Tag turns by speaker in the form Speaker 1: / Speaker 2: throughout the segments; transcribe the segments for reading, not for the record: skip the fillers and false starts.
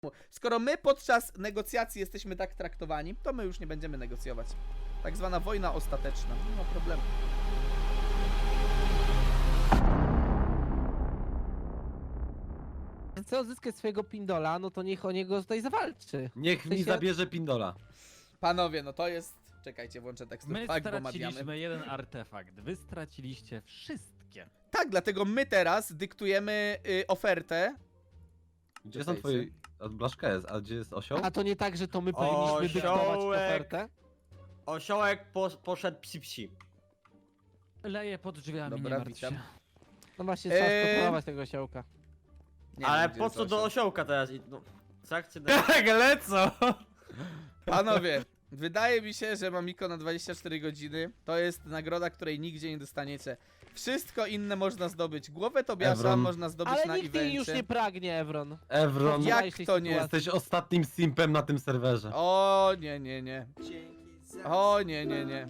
Speaker 1: Skoro my podczas negocjacji jesteśmy tak traktowani, to my już nie będziemy negocjować. Tak zwana wojna ostateczna. Nie ma problemu.
Speaker 2: Chce odzyskać swojego pindola, no to niech o niego tutaj zawalczy.
Speaker 3: Niech mi zabierze pindola.
Speaker 1: Panowie, no to jest... Czekajcie, włączę tekst.
Speaker 4: My
Speaker 1: Tak, bo mawiamy.
Speaker 4: straciliśmy jeden artefakt, wy straciliście wszystkie.
Speaker 1: Tak, dlatego my teraz dyktujemy ofertę.
Speaker 3: Gdzie są twoje... Blaszka jest, a gdzie jest osioł?
Speaker 2: A to nie tak, że to my powinniśmy dyktować ofertę?
Speaker 5: Osiołek poszedł psi.
Speaker 4: Leję pod drzwiami,
Speaker 1: Dobra,
Speaker 4: nie martw
Speaker 1: witam.
Speaker 4: się.
Speaker 2: No właśnie, trzeba skontrolować tego osiołka.
Speaker 1: Nie
Speaker 5: Ale
Speaker 1: wiem, gdzie
Speaker 5: po
Speaker 1: jest
Speaker 5: co do
Speaker 1: osioł.
Speaker 5: osiołka teraz? No, trakcie
Speaker 3: Tak, lecą!
Speaker 1: Panowie, wydaje mi się, że Mamiko na 24 godziny to jest nagroda, której nigdzie nie dostaniecie. Wszystko inne można zdobyć. Głowę Tobiasza
Speaker 3: Evron.
Speaker 1: można zdobyć na
Speaker 2: Ale nikt jej już nie
Speaker 1: evencie.
Speaker 2: pragnie, Evron.
Speaker 3: Evron,
Speaker 1: Jak
Speaker 2: Widziałeś tej
Speaker 1: to nie?
Speaker 2: sytuacji?
Speaker 3: jesteś ostatnim simpem na tym serwerze.
Speaker 1: O nie, nie, nie. O nie, nie, nie.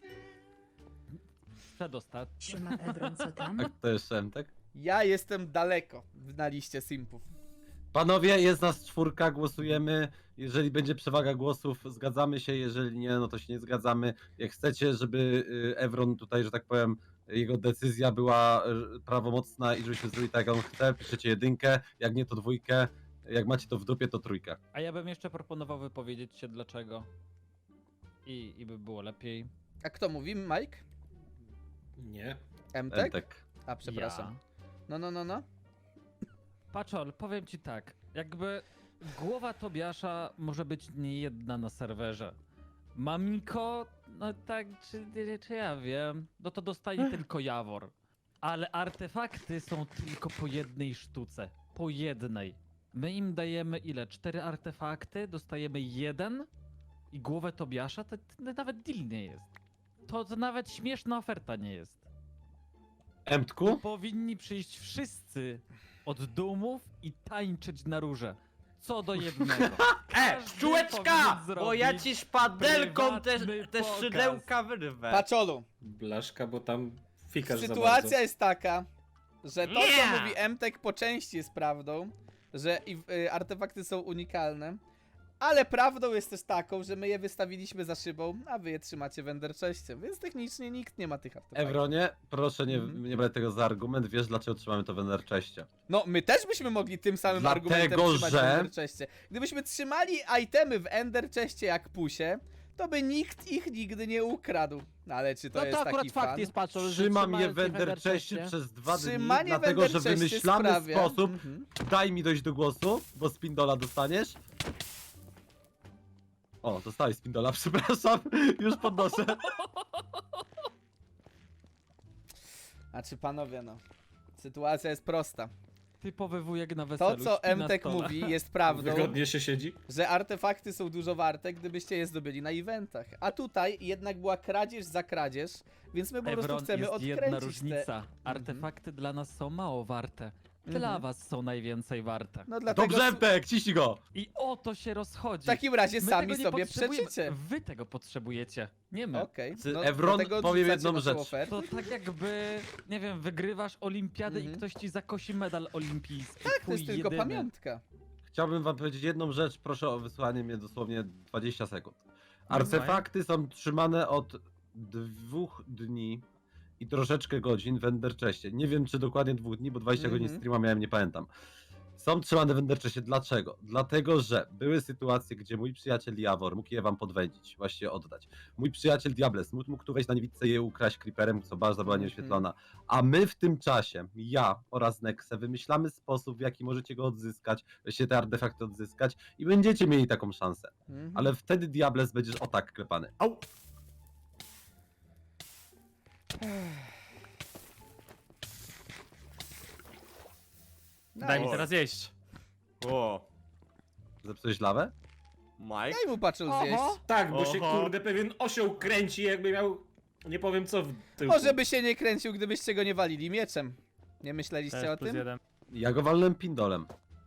Speaker 4: Przedostatni.
Speaker 6: Siema Evron, co tam?
Speaker 3: A kto jeszcze Emtek?
Speaker 1: Ja jestem daleko na liście simpów.
Speaker 3: Panowie, jest nas 4, głosujemy. Jeżeli będzie przewaga głosów, zgadzamy się. Jeżeli nie, no to się nie zgadzamy. Jak chcecie, żeby Evron tutaj, że tak powiem, jego decyzja była prawomocna i żebyśmy zrobili tak, jak on chce, piszecie 1, jak nie to 2, jak macie to w dupie, to 3.
Speaker 4: A ja bym jeszcze proponował wypowiedzieć się dlaczego. I by było lepiej.
Speaker 1: A kto mówi? Mike?
Speaker 7: Nie.
Speaker 1: Emtek?
Speaker 3: Emtek.
Speaker 1: A, przepraszam.
Speaker 4: Ja.
Speaker 1: No.
Speaker 4: Paczol, powiem ci tak. Jakby głowa Tobiasza może być nie jedna na serwerze. Mamiko, no tak, czy ja wiem, no to dostanie tylko Jawor. Ale artefakty są tylko po jednej sztuce. Po jednej. My im dajemy ile? 4 artefakty, dostajemy 1 i głowę Tobiasza, to nawet deal nie jest. To nawet śmieszna oferta nie jest.
Speaker 3: Emtku?
Speaker 4: Powinni przyjść wszyscy od dumów i tańczyć na róże. Co do jednego. Każdy
Speaker 5: czułeczka!
Speaker 4: powinien
Speaker 5: Bo ja
Speaker 4: zrobić
Speaker 5: ci szpadelką
Speaker 4: prywatny
Speaker 5: te
Speaker 4: pokaz.
Speaker 5: szydełka wyrwę.
Speaker 1: Paczolu,
Speaker 7: Blaszka, bo tam fikasz za
Speaker 1: sytuacja
Speaker 7: bardzo.
Speaker 1: jest taka, że to,
Speaker 5: Nie!
Speaker 1: co mówi Emtek, po części jest prawdą, że artefakty są unikalne, ale prawdą jest też taką, że my je wystawiliśmy za szybą, a wy je trzymacie w Enderchestie, więc technicznie nikt nie ma tych artefaktów.
Speaker 3: Evronie, proszę
Speaker 1: Mhm.
Speaker 3: nie brać tego za argument. Wiesz, dlaczego trzymamy to w Enderchestie?
Speaker 1: No, my też byśmy mogli tym samym
Speaker 3: Dlatego,
Speaker 1: argumentem trzymać
Speaker 3: że-
Speaker 1: w Enderchestie. Gdybyśmy trzymali itemy w Enderchestie jak pusie, to by nikt ich nigdy nie ukradł. No, ale czy to
Speaker 2: No
Speaker 1: jest
Speaker 2: to akurat
Speaker 1: taki
Speaker 2: fakt
Speaker 1: fan?
Speaker 2: jest, patrzą, że
Speaker 3: Trzymam je
Speaker 2: trzymają
Speaker 3: w
Speaker 2: cię
Speaker 3: Enderchestie przez 2 dni,
Speaker 1: Trzymanie w
Speaker 3: dlatego że
Speaker 1: Enderchestie
Speaker 3: wymyślamy
Speaker 1: sprawia-
Speaker 3: sposób.
Speaker 1: Mhm.
Speaker 3: Daj mi dojść do głosu, bo spindola dostaniesz. O, dostałeś spindola, przepraszam, już podnoszę.
Speaker 1: Znaczy panowie, no. Sytuacja jest prosta.
Speaker 4: Typowy wujek na weselu.
Speaker 1: To, co
Speaker 4: śpi na
Speaker 1: Emtek
Speaker 4: stole.
Speaker 1: mówi, jest prawdą,
Speaker 7: Wygodnie się siedzi?
Speaker 1: że artefakty są dużo warte, gdybyście je zdobyli na eventach. A tutaj jednak była kradzież za kradzież, więc my po prostu
Speaker 4: Evron,
Speaker 1: chcemy
Speaker 4: jest
Speaker 1: odkręcić
Speaker 4: jedna
Speaker 1: te...
Speaker 4: różnica. Artefakty dla nas są mało warte. Dla
Speaker 1: Mhm.
Speaker 4: was są najwięcej warte.
Speaker 1: No dlatego
Speaker 3: Dobrze, Emtek, ciśnij go!
Speaker 4: I o to się rozchodzi.
Speaker 1: w takim razie
Speaker 4: My
Speaker 1: sami
Speaker 4: tego nie
Speaker 1: sobie
Speaker 4: potrzebujemy.
Speaker 1: przeczycie.
Speaker 4: Wy tego potrzebujecie, nie my.
Speaker 1: Okej.
Speaker 3: Czy Evron
Speaker 1: dlatego
Speaker 3: powiem
Speaker 1: odrzucacie
Speaker 3: jedną
Speaker 1: naszą
Speaker 3: rzecz.
Speaker 1: ofertę?
Speaker 4: To tak jakby, nie wiem, wygrywasz olimpiadę
Speaker 1: Mhm.
Speaker 4: i ktoś ci zakosi medal olimpijski.
Speaker 1: Tak, to
Speaker 4: Twój
Speaker 1: jest tylko
Speaker 4: jedyny.
Speaker 1: pamiątka.
Speaker 3: Chciałbym wam powiedzieć jedną rzecz, proszę o wysłanie mnie dosłownie 20 sekund.
Speaker 4: No
Speaker 3: Artefakty są trzymane od 2 dni i troszeczkę godzin w Enderchestie. Nie wiem, czy dokładnie 2 dni, bo 20 godzin
Speaker 1: Mhm.
Speaker 3: streama miałem, nie pamiętam. Są trzymane w Enderchestie. Dlaczego? Dlatego, że były sytuacje, gdzie mój przyjaciel Jawor mógł je wam podwędzić, właściwie oddać. Mój przyjaciel Diables mógł tu wejść na niewidce i je ukraść creeperem, co bardzo była nieoświetlona. A my w tym czasie, ja oraz Nexe, wymyślamy sposób, w jaki możecie go odzyskać, właściwie te artefakty odzyskać i będziecie mieli taką szansę.
Speaker 1: Mhm.
Speaker 3: Ale wtedy Diables będziesz o tak klepany.
Speaker 5: Au!
Speaker 4: Daj mi
Speaker 5: Oj.
Speaker 4: teraz jeść.
Speaker 5: O,
Speaker 3: Zepsułeś lawę?
Speaker 5: Mike?
Speaker 1: Daj mu patrzył zjeść.
Speaker 7: Tak, bo się
Speaker 5: Oho.
Speaker 7: kurde pewien osioł kręci, jakby miał... Nie powiem co w tyłku.
Speaker 1: Może by się nie kręcił, gdybyście go nie walili mieczem. Nie myśleliście o tym?
Speaker 3: Ja go walnę pindolem.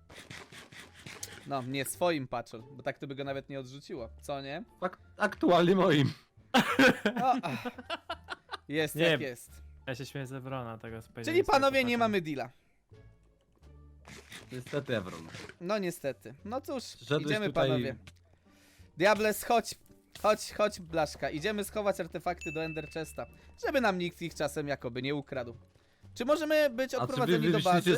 Speaker 1: No, nie swoim patrzol, bo tak to by go nawet nie odrzuciło. Co nie?
Speaker 3: Aktualnie moim.
Speaker 1: O, ach. Jest
Speaker 8: Nie,
Speaker 1: jak jest.
Speaker 8: Ja się śmieję z Evrona, tego
Speaker 1: Czyli panowie nie mamy deala.
Speaker 3: Niestety, Evron.
Speaker 1: No niestety. No cóż,
Speaker 3: Szedłeś
Speaker 1: idziemy
Speaker 3: tutaj-
Speaker 1: panowie. Diables, chodź. Chodź, Blaszka. Idziemy schować artefakty do Ender Chesta, żeby nam nikt ich czasem jakoby nie ukradł. Czy możemy być
Speaker 3: A czy
Speaker 1: odprowadzeni do bazy?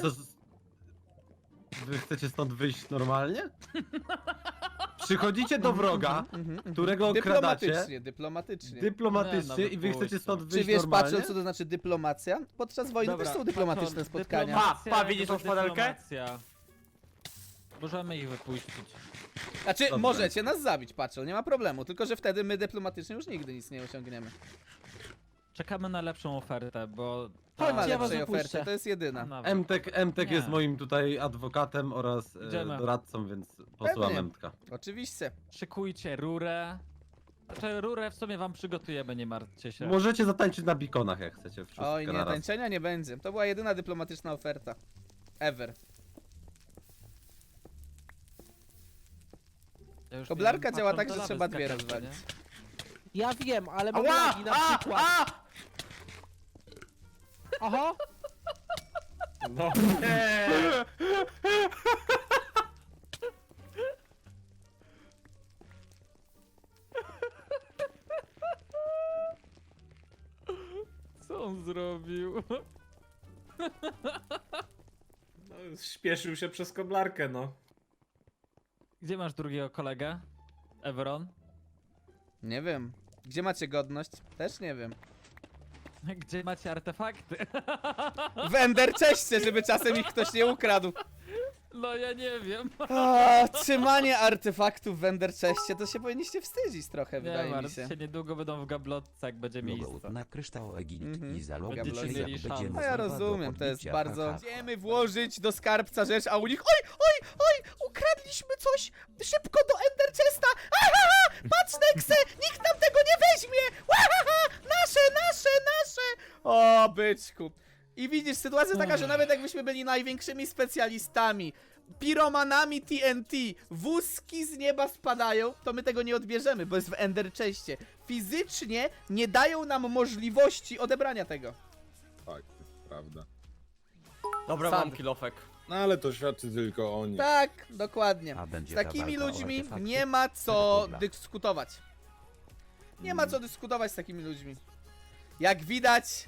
Speaker 3: Wy chcecie stąd wyjść normalnie? Przychodzicie do wroga, którego okradacie
Speaker 1: Dyplomatycznie.
Speaker 3: dyplomatycznie
Speaker 4: Nie, no,
Speaker 3: i wy chcecie
Speaker 4: wypuśćcie.
Speaker 3: stąd
Speaker 1: Czy
Speaker 3: wyjść
Speaker 1: wiesz,
Speaker 3: normalnie?
Speaker 1: patrząc co to znaczy dyplomacja? Podczas wojny też są dyplomatyczne
Speaker 4: Patrol,
Speaker 1: spotkania.
Speaker 4: dyplomacja,
Speaker 5: Pa, widzisz tą
Speaker 4: jakby
Speaker 5: szpadelkę?
Speaker 4: dyplomacja. Możemy ich wypuścić.
Speaker 1: Znaczy,
Speaker 3: Dobrze.
Speaker 1: możecie nas zabić, Patrol, nie ma problemu. Tylko, że wtedy my dyplomatycznie już nigdy nic nie osiągniemy.
Speaker 4: Czekamy na lepszą ofertę, bo...
Speaker 1: Nie ma
Speaker 2: Ja was
Speaker 1: lepszej
Speaker 2: wypuszczę.
Speaker 1: oferty, to jest jedyna.
Speaker 4: Nawet.
Speaker 3: Emtek
Speaker 4: Nie.
Speaker 3: jest moim tutaj adwokatem oraz
Speaker 4: Idziemy.
Speaker 3: doradcą, więc posłucham
Speaker 1: Pewnie.
Speaker 3: Emtka.
Speaker 1: Oczywiście.
Speaker 4: Szykujcie rurę. Znaczy rurę w sumie wam przygotujemy, nie martwcie się.
Speaker 3: Możecie zatańczyć na bikonach, jak chcecie. Wszystko
Speaker 1: Oj nie,
Speaker 3: naraz.
Speaker 1: tańczenia nie będzie. To była jedyna dyplomatyczna oferta. Ever.
Speaker 4: Ja już
Speaker 1: Koblarka
Speaker 4: miałem
Speaker 1: działa
Speaker 4: patrząc
Speaker 1: tak, że
Speaker 4: do
Speaker 1: trzeba
Speaker 4: lawy
Speaker 1: dwie
Speaker 4: skakać,
Speaker 1: rozwalić.
Speaker 4: nie?
Speaker 2: Ja wiem, ale mam
Speaker 5: Ała!
Speaker 2: lagi na przykład. Oho!
Speaker 7: No nie!
Speaker 4: Co on zrobił?
Speaker 7: No, śpieszył się przez koblarkę, no.
Speaker 4: Gdzie masz drugiego kolegę? Evron?
Speaker 1: Nie wiem. Gdzie macie godność? Też nie wiem.
Speaker 4: Gdzie macie artefakty?
Speaker 1: W Ender Chestie, żeby czasem ich ktoś nie ukradł.
Speaker 4: No ja nie wiem.
Speaker 1: Trzymanie artefaktów w Ender Chestie, to się powinniście wstydzić trochę,
Speaker 4: Nie
Speaker 1: wydaje mi
Speaker 4: martw
Speaker 1: się.
Speaker 4: się, niedługo będą w gablotce, jak będzie miejsce.
Speaker 6: Logout na kryształ Egipt
Speaker 1: Mhm.
Speaker 6: i zalog
Speaker 4: Będziecie
Speaker 6: jak
Speaker 4: mieli
Speaker 6: będzie
Speaker 4: szansę.
Speaker 1: No ja
Speaker 6: możliwa do
Speaker 1: rozumiem, to jest
Speaker 6: podbicia,
Speaker 1: bardzo...
Speaker 6: haha.
Speaker 1: Idziemy włożyć do skarbca rzecz, a u nich... Oj! Ukradliśmy coś! Szybko do Ender Chesta! Ahaha! Patrz, Nexe! Nikt nam tego nie weźmie! Ahaha! Nasze! O, byczku. I widzisz, sytuacja jest taka, że nawet jakbyśmy byli największymi specjalistami, piromanami TNT, wózki z nieba spadają, to my tego nie odbierzemy, bo jest w Ender Chestie. Fizycznie nie dają nam możliwości odebrania tego.
Speaker 8: Tak, prawda.
Speaker 5: Dobra,
Speaker 1: Sad.
Speaker 5: mam kilofek.
Speaker 8: No ale to świadczy tylko o nich.
Speaker 1: Tak, dokładnie.
Speaker 6: A będzie
Speaker 1: Z takimi
Speaker 6: ta walka o
Speaker 1: ludźmi
Speaker 6: artefakty?
Speaker 1: nie ma co
Speaker 6: Dobra.
Speaker 1: dyskutować. Nie ma co dyskutować z takimi ludźmi. Jak widać,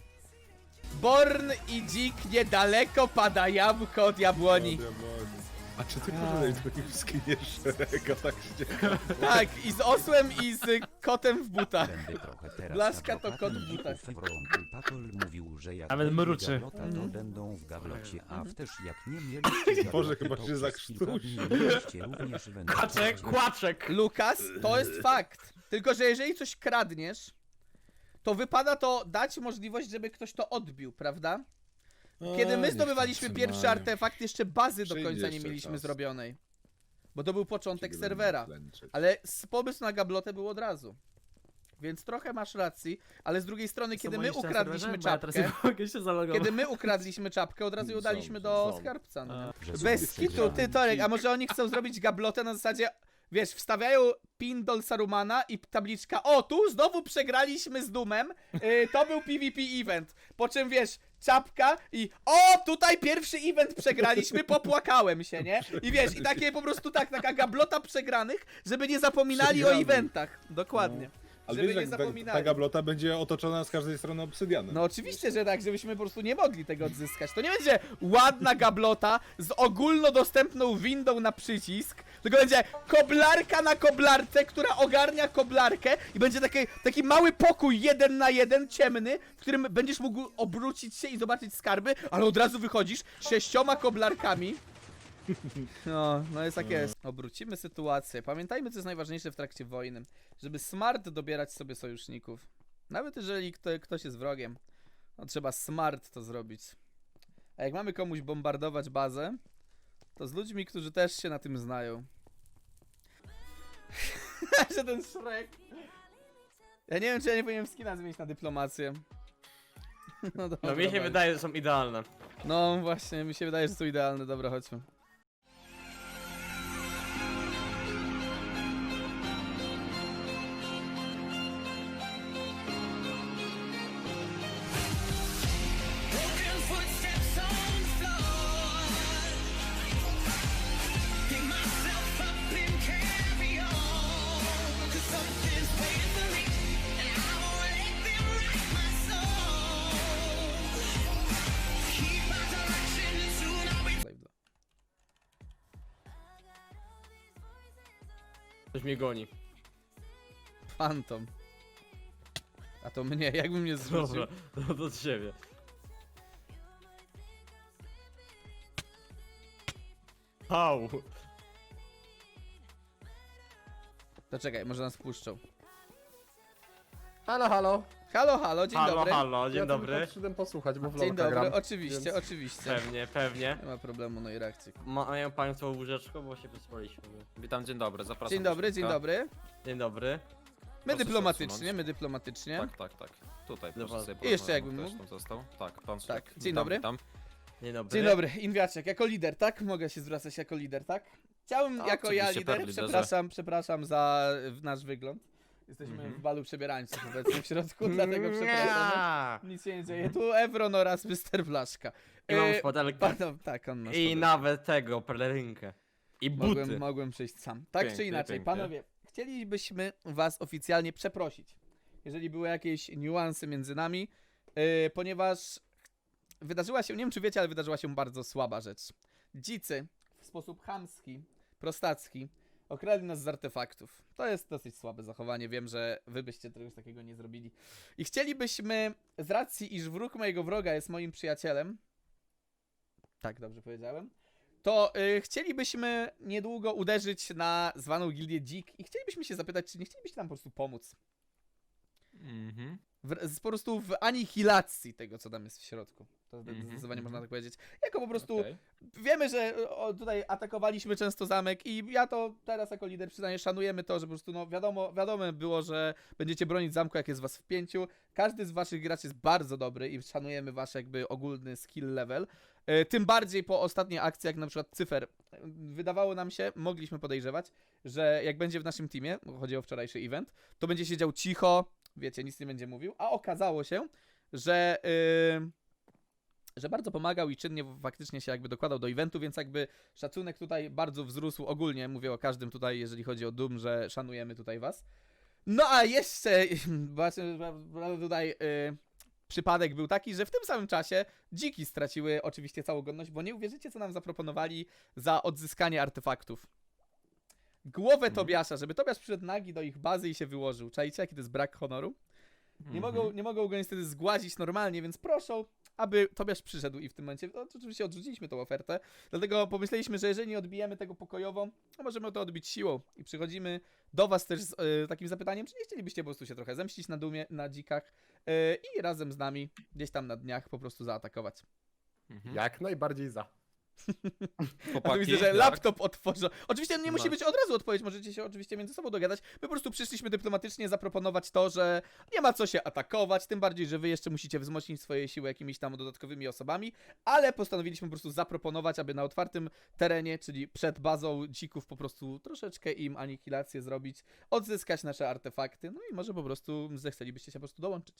Speaker 1: Born i Dzik niedaleko pada jabłko od jabłoni.
Speaker 8: A czy ty pożyczaj takim skiniesz szerega, tak się
Speaker 1: Tak, i z osłem i z kotem w butach.
Speaker 6: Będę trochę teraz
Speaker 1: Blaszka to
Speaker 6: adwokatem
Speaker 1: kot w butach.
Speaker 6: dzików. Patol mówił, że jak
Speaker 5: Nawet
Speaker 6: będzie
Speaker 5: mruczy.
Speaker 6: gablota, to będą w gablocie, a też jak nie mieliście
Speaker 8: Boże,
Speaker 6: gabloty,
Speaker 8: chyba
Speaker 6: to
Speaker 8: się
Speaker 6: przez
Speaker 8: zakrztusi.
Speaker 6: kilka dni mieliście również wędrówkę.
Speaker 5: Kaczek, kłaczek!
Speaker 1: Lukas, to jest fakt. Tylko, że jeżeli coś kradniesz, to wypada to dać możliwość, żeby ktoś to odbił, prawda? Kiedy my zdobywaliśmy pierwszy artefakt, jeszcze bazy do
Speaker 8: Przyjdzie
Speaker 1: końca nie
Speaker 8: jeszcze
Speaker 1: mieliśmy
Speaker 8: czas.
Speaker 1: zrobionej. Bo to był początek serwera. Ale pomysł na gablotę był od razu. Więc trochę masz racji, ale z drugiej strony, kiedy my ukradliśmy czapkę,
Speaker 5: mogę się zalogować.
Speaker 1: kiedy my ukradliśmy czapkę, od razu ją
Speaker 8: Są,
Speaker 1: daliśmy do
Speaker 8: są.
Speaker 1: skarbca. No. nie?
Speaker 6: Że są
Speaker 1: Bez kitu, ty
Speaker 6: przegrani.
Speaker 1: Torek, a może oni chcą zrobić gablotę na zasadzie, wiesz, wstawiają pin do Sarumana i tabliczka, o tu znowu przegraliśmy z Doomem, to był PvP event, po czym wiesz, czapka i o tutaj pierwszy event przegraliśmy, popłakałem się, nie? I wiesz, i takie po prostu taka gablota przegranych, żeby nie zapominali o
Speaker 8: Przegranych.
Speaker 1: eventach, dokładnie.
Speaker 8: Ale
Speaker 1: Żeby
Speaker 8: wiesz,
Speaker 1: nie
Speaker 8: jak ta
Speaker 1: zapominali.
Speaker 8: gablota będzie otoczona z każdej strony obsydianem.
Speaker 1: No oczywiście, że tak, żebyśmy po prostu nie mogli tego odzyskać. To nie będzie ładna gablota z ogólnodostępną windą na przycisk, tylko będzie koblarka na koblarce, która ogarnia koblarkę i będzie taki mały pokój 1 na 1, ciemny, w którym będziesz mógł obrócić się i zobaczyć skarby, ale od razu wychodzisz 6 koblarkami. No jest tak jest. Obrócimy sytuację. Pamiętajmy, co jest najważniejsze w trakcie wojny. Żeby smart dobierać sobie sojuszników. Nawet jeżeli ktoś jest wrogiem, no trzeba smart to zrobić. A jak mamy komuś bombardować bazę, to z ludźmi, którzy też się na tym znają. Że ten Shrek. Ja nie wiem, czy ja nie powinienem skina zmienić na dyplomację. No, dobra,
Speaker 5: No mi się
Speaker 1: dobra.
Speaker 5: wydaje, że są idealne.
Speaker 1: No właśnie, mi się wydaje, że są idealne. Dobra, chodźmy.
Speaker 5: Ktoś mnie goni.
Speaker 1: Phantom. A to mnie, jakbym mnie zrzucił.
Speaker 5: Dobra, no do ciebie. Au.
Speaker 1: To czekaj, może nas puszczą.
Speaker 8: Halo, halo.
Speaker 1: Halo, halo, dzień
Speaker 5: Halo,
Speaker 1: dobry.
Speaker 5: halo, dzień
Speaker 8: Ja tylko
Speaker 5: dobry.
Speaker 8: przyszedłem posłuchać, bo w
Speaker 1: Dzień
Speaker 8: LoLka
Speaker 1: dobry,
Speaker 8: gram.
Speaker 1: oczywiście,
Speaker 8: więc-
Speaker 1: oczywiście.
Speaker 5: Pewnie, pewnie.
Speaker 1: Nie ma problemu, no i reakcji.
Speaker 5: Mają państwo łóżeczko, bo się wyspaliśmy.
Speaker 9: Witam, dzień dobry, zapraszam.
Speaker 1: Dzień
Speaker 9: do
Speaker 1: dobry, dzień
Speaker 9: środka.
Speaker 1: dobry.
Speaker 5: Dzień dobry.
Speaker 1: My
Speaker 9: Proszę się
Speaker 1: dyplomatycznie,
Speaker 9: odsunąć.
Speaker 1: my dyplomatycznie.
Speaker 9: Tak, tak, tak. Tutaj proszę
Speaker 5: Dobra.
Speaker 9: sobie
Speaker 1: I jeszcze
Speaker 9: porozmawiać,
Speaker 1: jakbym
Speaker 9: ktoś
Speaker 1: mógł.
Speaker 9: tam został. Tak, pan
Speaker 1: Tak,
Speaker 9: Szrek.
Speaker 1: dzień
Speaker 9: Witam,
Speaker 1: dobry.
Speaker 9: witam.
Speaker 5: Dzień dobry.
Speaker 1: Dzień dobry, Inwiaczek, jako lider, tak? Mogę się zwracać jako lider, tak? Chciałem
Speaker 9: A,
Speaker 1: jako ja
Speaker 9: oczywiście,
Speaker 1: lider,
Speaker 9: per liderze.
Speaker 1: przepraszam za nasz wygląd. Jesteśmy w balu przebierańców obecnie w środku, dlatego przepraszamy. Nic się nie dzieje. Tu Evron oraz Mr. Blaszka.
Speaker 5: I mam szpadelkę.
Speaker 1: Tak, on ma
Speaker 5: I
Speaker 1: szpadelkę.
Speaker 5: nawet tego, pelerynkę. I buty.
Speaker 1: Mogłem przyjść sam. Tak
Speaker 5: Pięknie,
Speaker 1: czy inaczej,
Speaker 5: pięknie.
Speaker 1: panowie, chcielibyśmy was oficjalnie przeprosić, jeżeli były jakieś niuanse między nami, ponieważ wydarzyła się, nie wiem czy wiecie, ale wydarzyła się bardzo słaba rzecz. Dzicy w sposób chamski, prostacki okradli nas z artefaktów. To jest dosyć słabe zachowanie, wiem, że wy byście czegoś takiego nie zrobili. I chcielibyśmy, z racji iż wróg mojego wroga jest moim przyjacielem, tak dobrze powiedziałem, to chcielibyśmy niedługo uderzyć na zwaną gildię Dzik i chcielibyśmy się zapytać, czy nie chcielibyście nam po prostu pomóc.
Speaker 9: Mhm.
Speaker 1: Po prostu w anihilacji tego, co tam jest w środku. To zdecydowanie
Speaker 9: Mhm,
Speaker 1: można tak powiedzieć. Jako po prostu
Speaker 9: Okej.
Speaker 1: wiemy, że tutaj atakowaliśmy często zamek i ja to teraz jako lider przyznaję, szanujemy to, że po prostu no wiadomo było, że będziecie bronić zamku, jak jest was w 5. Każdy z waszych graczy jest bardzo dobry i szanujemy wasz jakby ogólny skill level. Tym bardziej po ostatniej akcji, jak na przykład Cyfer. Wydawało nam się, mogliśmy podejrzewać, że jak będzie w naszym teamie, bo chodzi o wczorajszy event, to będzie siedział cicho, wiecie, nic nie będzie mówił, a okazało się, że bardzo pomagał i czynnie faktycznie się jakby dokładał do eventu, więc jakby szacunek tutaj bardzo wzrósł ogólnie, mówię o każdym tutaj, jeżeli chodzi o Doom, że szanujemy tutaj was. No a jeszcze właśnie tutaj przypadek był taki, że w tym samym czasie dziki straciły oczywiście całą godność, bo nie uwierzycie, co nam zaproponowali za odzyskanie artefaktów. Głowę Tobiasza, żeby Tobiasz przyszedł nagi do ich bazy i się wyłożył. Czajcie, jaki to jest brak honoru? Nie mogą go niestety zgładzić normalnie, więc proszą, aby Tobiasz przyszedł i w tym momencie, no, oczywiście odrzuciliśmy tą ofertę, dlatego pomyśleliśmy, że jeżeli nie odbijemy tego pokojowo, to możemy to odbić siłą i przychodzimy do was też z takim zapytaniem, czy nie chcielibyście po prostu się trochę zemścić na Dumie, na dzikach i razem z nami gdzieś tam na dniach po prostu zaatakować.
Speaker 9: Mhm.
Speaker 8: Jak najbardziej za.
Speaker 1: A tu
Speaker 9: Chłopaki,
Speaker 1: widzę, że
Speaker 9: jak?
Speaker 1: laptop otworzą. Oczywiście nie musi
Speaker 9: No.
Speaker 1: być od razu odpowiedź, możecie się oczywiście między sobą dogadać. My po prostu przyszliśmy dyplomatycznie zaproponować to, że nie ma co się atakować, tym bardziej, że wy jeszcze musicie wzmocnić swoje siły jakimiś tam dodatkowymi osobami, ale postanowiliśmy po prostu zaproponować, aby na otwartym terenie, czyli przed bazą dzików po prostu troszeczkę im anihilację zrobić, odzyskać nasze artefakty, no i może po prostu zechcelibyście się po prostu dołączyć.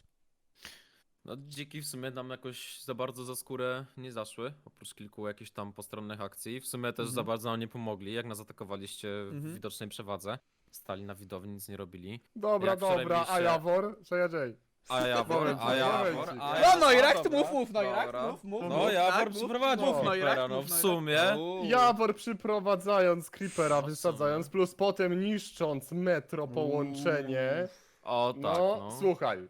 Speaker 9: No dziki w sumie nam jakoś za bardzo za skórę nie zaszły, oprócz kilku jakichś tam postronnych akcji. W sumie też za bardzo nam nie pomogli, jak nas atakowaliście w widocznej przewadze. Stali na widowni, nic nie robili.
Speaker 8: Dobra,
Speaker 9: Jak wczoraj
Speaker 8: dobra, a
Speaker 9: byliście-
Speaker 8: Jawor, że ja Jay.
Speaker 9: A Jawor,
Speaker 8: Momencik,
Speaker 9: a Jawor,
Speaker 8: momencik.
Speaker 9: a
Speaker 1: No,
Speaker 9: Jawor,
Speaker 1: no i Rakt,
Speaker 9: dobra,
Speaker 1: mów, no i Rakt,
Speaker 9: dobra.
Speaker 1: mów.
Speaker 9: No Jawor
Speaker 1: mów,
Speaker 9: przyprowadził
Speaker 1: mów, no i
Speaker 9: Creepera,
Speaker 1: Rakt,
Speaker 9: no
Speaker 1: mów,
Speaker 9: w
Speaker 1: no i
Speaker 9: sumie.
Speaker 1: Rakt. Uuu.
Speaker 8: Jawor przyprowadzając Creepera,
Speaker 9: W
Speaker 8: wysadzając,
Speaker 9: sumie.
Speaker 8: plus potem niszcząc metro połączenie.
Speaker 9: O tak,
Speaker 8: No,
Speaker 9: no.
Speaker 8: słuchaj.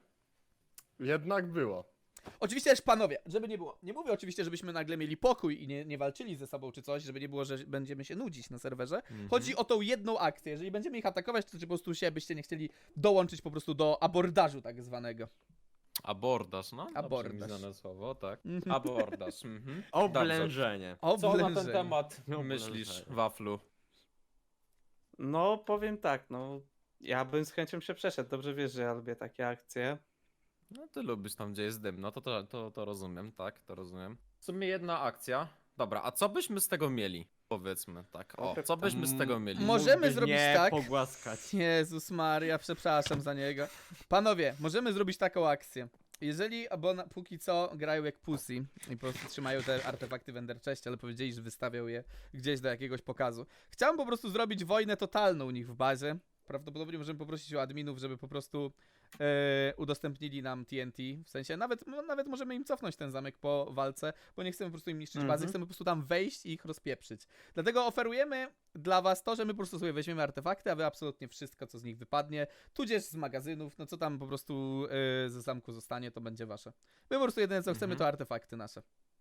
Speaker 8: Jednak było.
Speaker 1: Oczywiście też panowie, żeby nie było. Nie mówię oczywiście, żebyśmy nagle mieli pokój i nie walczyli ze sobą czy coś, żeby nie było, że będziemy się nudzić na serwerze. Chodzi o tą jedną akcję. Jeżeli będziemy ich atakować, to czy po prostu się byście nie chcieli dołączyć po prostu do abordażu tak zwanego.
Speaker 9: Abordaż, no. Dobrze
Speaker 1: Abordaż.
Speaker 9: mi znane słowo, tak.
Speaker 1: Mhm.
Speaker 9: Abordaż, mhm.
Speaker 5: Oblężenie.
Speaker 9: Co na ten
Speaker 1: Oblężenie.
Speaker 9: temat
Speaker 5: Oblężenie.
Speaker 9: myślisz, Waflu?
Speaker 10: No, powiem tak, no. Ja bym z chęcią się przeszedł. Dobrze wiesz, że ja lubię takie akcje.
Speaker 9: No ty lubisz tam, gdzie jest dym, no to rozumiem, tak, to rozumiem. W sumie jedna akcja. Dobra, a co byśmy z tego mieli? Powiedzmy tak, o, co byśmy z tego mieli?
Speaker 1: Możemy
Speaker 5: Mógłbyś
Speaker 1: zrobić
Speaker 5: mnie
Speaker 1: tak.
Speaker 5: pogłaskać.
Speaker 1: Jezus Maria, przepraszam za niego. Panowie, możemy zrobić taką akcję. Jeżeli, bo póki co grają jak pussy i po prostu trzymają te artefakty w Ender Chestie, ale powiedzieli, że wystawiał je gdzieś do jakiegoś pokazu. Chciałem po prostu zrobić wojnę totalną u nich w bazie prawdopodobnie możemy poprosić o adminów, żeby po prostu udostępnili nam TNT. W sensie nawet możemy im cofnąć ten zamek po walce, bo nie chcemy po prostu im niszczyć bazy, chcemy po prostu tam wejść i ich rozpieprzyć. Dlatego oferujemy dla was to, że my po prostu sobie weźmiemy artefakty, a wy absolutnie wszystko, co z nich wypadnie, tudzież z magazynów, no co tam po prostu ze zamku zostanie, to będzie wasze. My po prostu jedyne co chcemy, to artefakty nasze.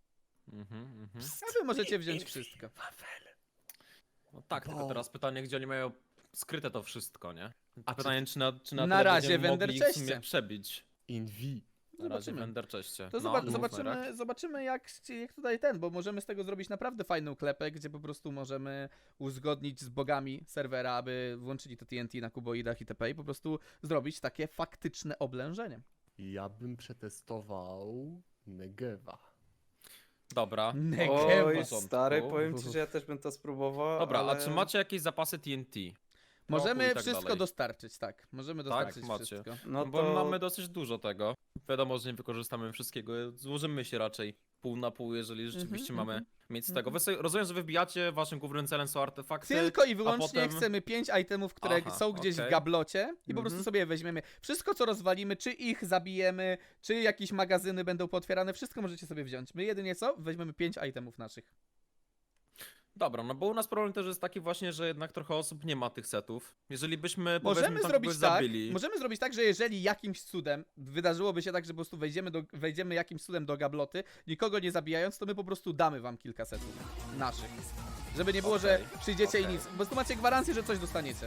Speaker 1: A wy możecie wziąć wszystko.
Speaker 9: No tak, tylko teraz pytanie, gdzie oni mają skryte to wszystko, nie?
Speaker 8: A
Speaker 9: Pytanie, czy na
Speaker 1: Na
Speaker 9: tyle
Speaker 1: razie
Speaker 9: będziemy
Speaker 1: w
Speaker 9: mogli ich w sumie
Speaker 1: Enderchestie.
Speaker 9: przebić.
Speaker 8: Invi.
Speaker 9: Na razie w
Speaker 1: Zobaczymy.
Speaker 9: Enderchestie.
Speaker 1: To
Speaker 9: No, mówmy, Rak.
Speaker 1: zobaczymy jak tutaj bo możemy z tego zrobić naprawdę fajną klepę, gdzie po prostu możemy uzgodnić z bogami serwera, aby włączyli to TNT na kuboidach itp. I po prostu zrobić takie faktyczne oblężenie.
Speaker 8: Ja bym przetestował Negewa.
Speaker 9: Dobra.
Speaker 1: Negewa.
Speaker 10: Oj,
Speaker 9: porządku.
Speaker 10: stary, powiem ci, że ja też bym to spróbował,
Speaker 9: Dobra,
Speaker 10: ale...
Speaker 9: a czy macie jakieś zapasy TNT?
Speaker 1: Możemy
Speaker 9: i tak
Speaker 1: wszystko
Speaker 9: dalej.
Speaker 1: dostarczyć, tak. Możemy dostarczyć
Speaker 9: macie.
Speaker 1: wszystko.
Speaker 10: No
Speaker 9: Bo
Speaker 10: to...
Speaker 9: mamy dosyć dużo tego. Wiadomo, że nie wykorzystamy wszystkiego. Złożymy się raczej pół na pół, jeżeli rzeczywiście mamy mieć z tego. Wy sobie, rozumiem, że wy wbijacie, waszym głównym celem są artefakty.
Speaker 1: Tylko i wyłącznie
Speaker 9: potem-
Speaker 1: chcemy 5 itemów, które
Speaker 9: Aha,
Speaker 1: są gdzieś w
Speaker 9: okej.
Speaker 1: gablocie i po prostu sobie je weźmiemy. Wszystko co rozwalimy, czy ich zabijemy, czy jakieś magazyny będą pootwierane, wszystko możecie sobie wziąć. My jedynie co? Weźmiemy 5 itemów naszych.
Speaker 9: Dobra, no bo u nas problem też jest taki właśnie, że jednak trochę osób nie ma tych setów. Jeżeli byśmy powiedzmy
Speaker 1: Możemy
Speaker 9: tam
Speaker 1: zrobić
Speaker 9: kogoś
Speaker 1: tak,
Speaker 9: zabili.
Speaker 1: możemy zrobić tak, że jeżeli jakimś cudem wydarzyłoby się tak, że po prostu wejdziemy jakimś cudem do gabloty, nikogo nie zabijając, to my po prostu damy wam kilka setów naszych. Żeby nie było, że przyjdziecie i nic, bo tu macie gwarancję, że coś dostaniecie.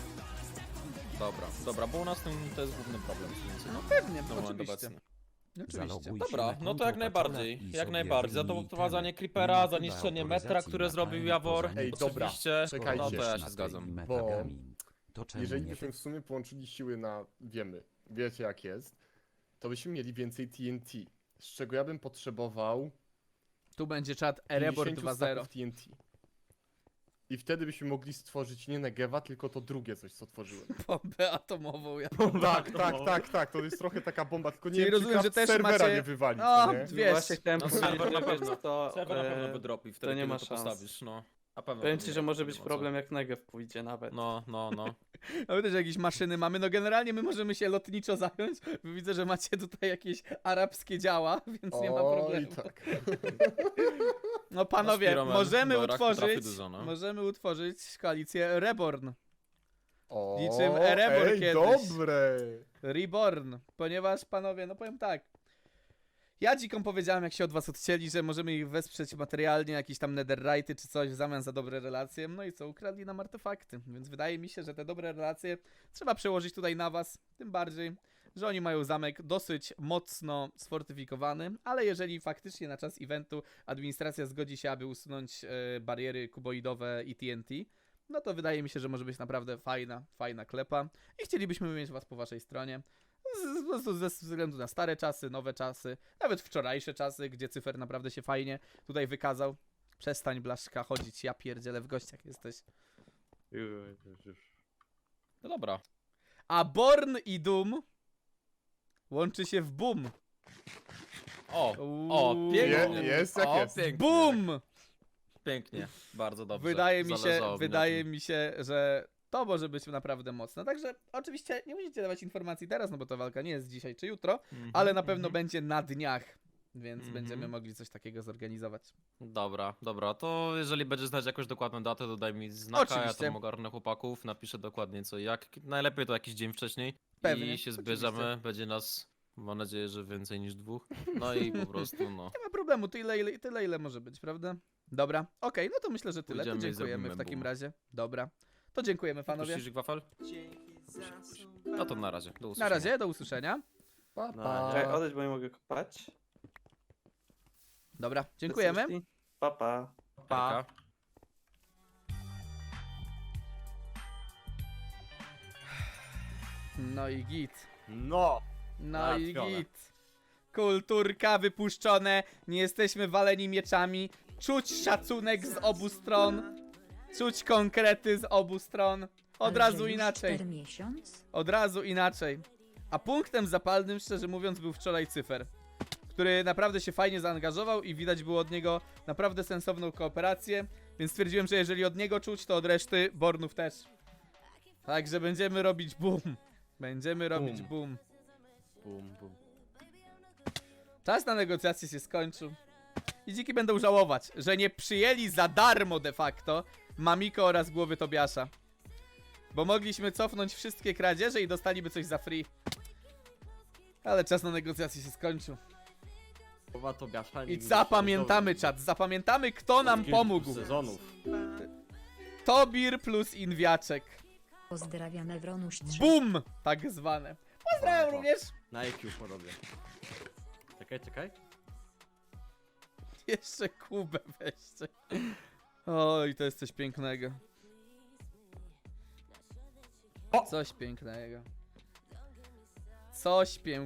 Speaker 9: Dobra, bo u nas to jest główny problem.
Speaker 1: No pewnie,
Speaker 9: na moment
Speaker 1: oczywiście.
Speaker 9: obecny.
Speaker 1: Oczywiście.
Speaker 6: Zaloguj się
Speaker 9: Dobra,
Speaker 6: na
Speaker 9: no to
Speaker 6: konto
Speaker 9: jak
Speaker 6: Patrola
Speaker 9: najbardziej,
Speaker 6: i
Speaker 9: jak
Speaker 6: sobie
Speaker 9: najbardziej. Za to
Speaker 6: wyjmij
Speaker 9: wprowadzanie
Speaker 6: temy.
Speaker 9: Creepera,
Speaker 6: Nie
Speaker 9: za
Speaker 6: ma
Speaker 9: niszczenie
Speaker 6: autoryzacji
Speaker 9: metra, które
Speaker 6: na
Speaker 9: zrobił
Speaker 6: time
Speaker 9: Jawor.
Speaker 6: poza nim.
Speaker 8: Ej, dobra,
Speaker 9: Oczywiście,
Speaker 8: czekajcie.
Speaker 9: no to ja
Speaker 6: na
Speaker 9: się
Speaker 6: tej
Speaker 9: zgadzam.
Speaker 6: metagamin. To czemu
Speaker 8: Jeżeli
Speaker 6: nie
Speaker 8: byśmy w sumie połączyli siły na, wiecie jak jest, to byśmy mieli więcej TNT. Z czego ja bym potrzebował
Speaker 1: Tu będzie czat Erebor
Speaker 8: 50
Speaker 1: 2.0.
Speaker 8: stacków TNT. I wtedy byśmy mogli stworzyć nie Negewa, tylko to drugie coś, co tworzyłem.
Speaker 1: Bombę atomową. Ja...
Speaker 8: Tak, to jest trochę taka bomba, tylko nie
Speaker 1: Czyli
Speaker 8: wiem,
Speaker 1: rozumiem,
Speaker 8: czy
Speaker 1: że też
Speaker 8: serwera
Speaker 1: macie-
Speaker 8: nie wywalić,
Speaker 1: O,
Speaker 8: nie?
Speaker 1: Wiesz,
Speaker 10: Właśnie chciałem
Speaker 9: no
Speaker 10: powiedzieć,
Speaker 9: serwer na
Speaker 10: że
Speaker 9: pewno.
Speaker 10: to...
Speaker 9: Serwer na pewno wydropi wtedy,
Speaker 10: nie
Speaker 9: kiedy
Speaker 10: ma
Speaker 9: to
Speaker 10: szans.
Speaker 9: postawisz, no. Na pewno.
Speaker 10: Powiem
Speaker 9: to
Speaker 10: ci,
Speaker 9: nie
Speaker 10: że
Speaker 9: ma-
Speaker 10: może
Speaker 9: nie
Speaker 10: być
Speaker 9: ma co.
Speaker 10: problem, jak Negev pójdzie nawet.
Speaker 9: No.
Speaker 1: A my też jakieś maszyny mamy, no generalnie my możemy się lotniczo zająć, bo widzę, że macie tutaj jakieś arabskie działa, więc nie ma problemu.
Speaker 8: tak.
Speaker 1: No panowie,
Speaker 9: Spiroman
Speaker 1: możemy
Speaker 9: do Iraku trafi
Speaker 1: utworzyć,
Speaker 9: dużo, no.
Speaker 1: możemy utworzyć koalicję Reborn,
Speaker 8: O,
Speaker 1: Niczym Erebor
Speaker 8: ej,
Speaker 1: kiedyś.
Speaker 8: dobre!
Speaker 1: Reborn, ponieważ panowie, no powiem tak, ja dzikom powiedziałem, jak się od was odcięli, że możemy ich wesprzeć materialnie, jakieś tam netherite'y czy coś w zamian za dobre relacje, no i co, ukradli nam artefakty, więc wydaje mi się, że te dobre relacje trzeba przełożyć tutaj na was, tym bardziej, że oni mają zamek dosyć mocno sfortyfikowany, ale jeżeli faktycznie na czas eventu administracja zgodzi się, aby usunąć bariery kuboidowe i TNT, no to wydaje mi się, że może być naprawdę fajna klepa i chcielibyśmy mieć was po waszej stronie. Po prostu ze względu na stare czasy, nowe czasy, nawet wczorajsze czasy, gdzie Cyfer naprawdę się fajnie tutaj wykazał. Przestań, Blaszka, chodzić, ja pierdzielę, w gościach jesteś.
Speaker 9: No dobra.
Speaker 1: A Born i Doom łączy się w Boom.
Speaker 9: O, pięknie.
Speaker 8: Jest jak
Speaker 9: O,
Speaker 8: jest.
Speaker 9: pięknie.
Speaker 1: Boom!
Speaker 9: Pięknie, bardzo dobrze.
Speaker 1: Wydaje mi się, że to może być naprawdę mocne. Także oczywiście nie musicie dawać informacji teraz, no bo ta walka nie jest dzisiaj czy jutro, ale na pewno będzie na dniach, więc będziemy mogli coś takiego zorganizować.
Speaker 9: Dobra, to jeżeli będziesz znać jakąś dokładną datę, to daj mi znaka, ja
Speaker 1: Oczywiście.
Speaker 9: tam ogarnę chłopaków, napiszę dokładnie co i jak. Najlepiej to jakiś dzień wcześniej.
Speaker 1: Pewnie,
Speaker 9: I się
Speaker 1: oczywiście.
Speaker 9: zbierzemy, będzie nas, mam nadzieję, że więcej niż 2. No i po prostu, no.
Speaker 1: Nie ma problemu, tyle ile może być, prawda? Dobra, okej, no to myślę, że tyle. To
Speaker 9: Pójdziemy i
Speaker 1: dziękujemy w
Speaker 9: zrobimy
Speaker 1: takim
Speaker 9: boom.
Speaker 1: razie. Dobra, to dziękujemy panowie.
Speaker 9: Puścisz wafel? No to na razie, do
Speaker 1: Na
Speaker 9: usłyszenia.
Speaker 1: razie, do usłyszenia.
Speaker 8: Pa,
Speaker 10: No,
Speaker 8: pa.
Speaker 10: czekaj, odejdź, bo nie mogę kopać.
Speaker 1: Dobra, dziękujemy.
Speaker 10: Pa, pa.
Speaker 9: Pa.
Speaker 1: No i git.
Speaker 8: No!
Speaker 1: No i
Speaker 8: Załatwione.
Speaker 1: git. Kulturka wypuszczone, nie jesteśmy waleni mieczami. Czuć szacunek z obu stron. Czuć konkrety z obu stron. Od razu inaczej. Od razu inaczej. A punktem zapalnym, szczerze mówiąc, był wczoraj Cyfer, który naprawdę się fajnie zaangażował i widać było od niego naprawdę sensowną kooperację, więc stwierdziłem, że jeżeli od niego czuć, to od reszty Bornów też. Także będziemy robić boom. Będziemy robić boom.
Speaker 5: Bum, bum.
Speaker 1: Czas na negocjacje się skończył. I dziki będą żałować, że nie przyjęli za darmo de facto Mamiko oraz głowy Tobiasza. Bo mogliśmy cofnąć wszystkie kradzieże i dostaliby coś za free. Ale czas na negocjacje się skończył.
Speaker 5: Słowa Tobiasza
Speaker 1: I
Speaker 5: nigdy
Speaker 1: zapamiętamy
Speaker 5: nie
Speaker 1: czat, zapamiętamy kto nam
Speaker 5: Od kilku
Speaker 1: pomógł.
Speaker 5: sezonów.
Speaker 1: Tobir plus Inwiaczek.
Speaker 11: Pozdrawiam Ewronuś 3.
Speaker 1: Boom! Tak zwane. Pozdrawiam również.
Speaker 5: Na IQ porobię. Czekaj.
Speaker 1: Jeszcze Kubę weźcie. Oj, to jest coś pięknego. Coś pięknego. Coś pięknego.